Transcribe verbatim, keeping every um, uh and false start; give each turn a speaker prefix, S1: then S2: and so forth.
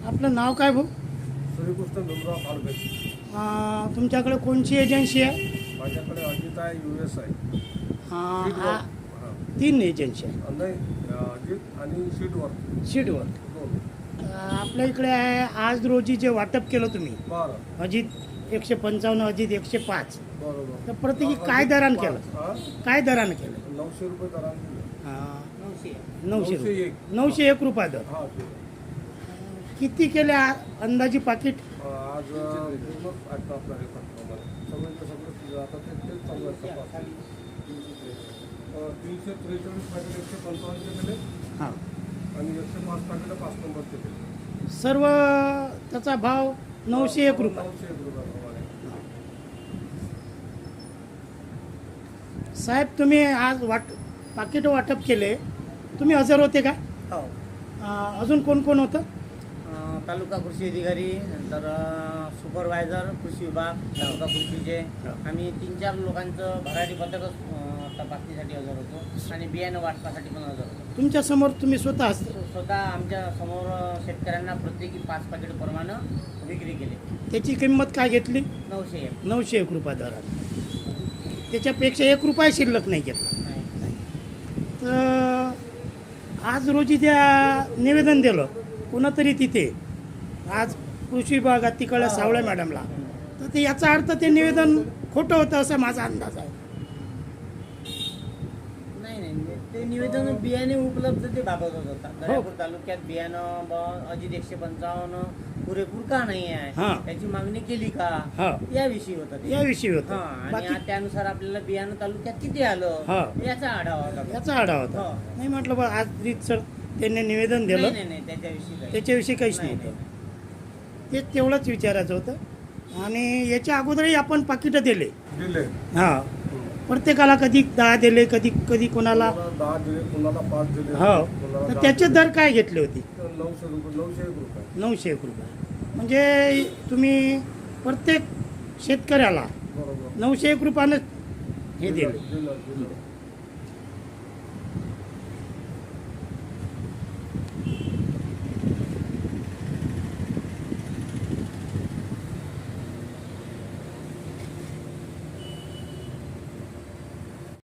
S1: आपलं नाव काय भाऊ?
S2: सूर्यकृष्ण भीमराव खाडबे.
S1: अं, तुमच्याकडे कोणची एजन्सी आहे?
S2: माझ्याकडे अजित आहे, यू एस आहे.
S1: अं,
S2: शीटवर.
S1: आ-
S2: हां.
S1: तीन एजन्सी आहे
S2: नाही, अजित आणि शीटवर
S1: सीटवर.
S2: दोन.
S1: अं, आपल्या इकडे आहे आज रोजी जे वाटप केलं तुम्ही
S2: बरं
S1: अजित एकशे पंचावन्न अजित एकशे पाच
S2: बरोबर.
S1: तर प्रत्येकी काय दरानं केलं?
S2: हां?
S1: काय दरानं केलं?
S2: नऊशे रुपये दराने दिले.
S1: अं,
S2: नऊशे
S1: नऊशे रुपये.
S2: एक.
S1: नऊशे एक रुपया दर.
S2: हां ते.
S1: किती केले आ- अंदाजी पाकिट?
S2: आज पूर्ण ऐकतो आपला रेकॉर्ड प्रमाणे सगळं सगळं आता ते तेच चालू आहे तपास. अं, तीनशे त्रेचाळीस पॅकेट एकशे पंचावन्नचे केले
S1: हां
S2: आणि एकशे पाच पॅकेट पाच नंबरचे केले.
S1: सर्व त्याचा भाव नऊशे एक रुपये.
S2: नऊशे एक रुपयाप्रमाणे.
S1: साहेब तुम्ही आज वाट पाकिट वाटप केले, तुम्ही हजर होते का?
S3: हो.
S1: अं, अजून कोण कोण होतं?
S3: अं, तालुका कृषी अधिकारी, नंतर अं, सुपरवायझर कृषी विभाग, तालुका कृषीचे आम्ही तीन चार लोकांचं भरारी पथक तपासणीसाठी हजर होतो आणि बियाणं वाटपासाठी पण हजर होतो.
S1: तुमच्या समोर तुम्ही स्वतः असता.
S3: स्वतः आमच्या समोर शेतकऱ्यांना प्रत्येकी पाच पाकिट प्रमाणे विक्री केली.
S1: त्याची किंमत काय घेतली?
S3: नऊशे एक.
S1: नऊशे एक रुपया दरात. त्याच्यापेक्षा एक रुपया शिल्लक नाही घेतला.
S3: नाही.
S1: तर आज रोजी त्या निवेदन दिलं कोणातरी तिथे आज कृषी विभागात तिकडे सावळे मॅडमला, तर ते याचा अर्थ ते निवेदन खोटं होतं असा माझा अंदाज आहे.
S3: नाही नाही ते निवेदन बियाणे उपलब्धतेबाबत होता. दर्यापूर तालुक्यात बियाणं ब- अजित एकशे पंचावन्न पुरेपूर का नाही आहे,
S1: हां.
S3: त्याची मागणी केली का,
S1: हां.
S3: याविषयी होतं ते.
S1: याविषयी
S3: हा,
S1: होतं.
S3: आणि
S1: बाकी
S3: आ- त्यानुसार आपल्याला बियाणं तालुक्यात किती आलं
S1: हा.
S3: याचा आढावा होता.
S1: याचा आढावा होता.
S3: हो.
S1: नाही म्हटलं बा आज रीतसर त्यांनी निवेदन
S3: नाही
S1: दिलं,
S3: नाही नाही त्याच्याविषयी काही.
S1: त्याच्याविषयी काहीच
S3: नाही,
S1: नव्हतं. ते तेवढंच विचारायचं होतं. आणि याच्या अगोदरही आपण पाकिटं दिले.
S2: दिले.
S1: हां, प्रत्येकाला कधी दहा दिले, कधी कधी कोणाला
S2: कोणाला दहा दिले, कोणाला पाच दिले,
S1: हो.
S2: कोणाला
S1: तर
S2: दहा
S1: त्याचे
S2: दिले.
S1: दर काय घेतले होते?
S2: तर नऊशे रुपये नऊशे एक रुपये.
S1: नऊशे एक रुपये. म्हणजे तुम्ही प्रत्येक शेतकऱ्याला
S2: बरोबर.
S1: नऊशे एक रुपयानं हे दिले.
S2: दिलं दिलं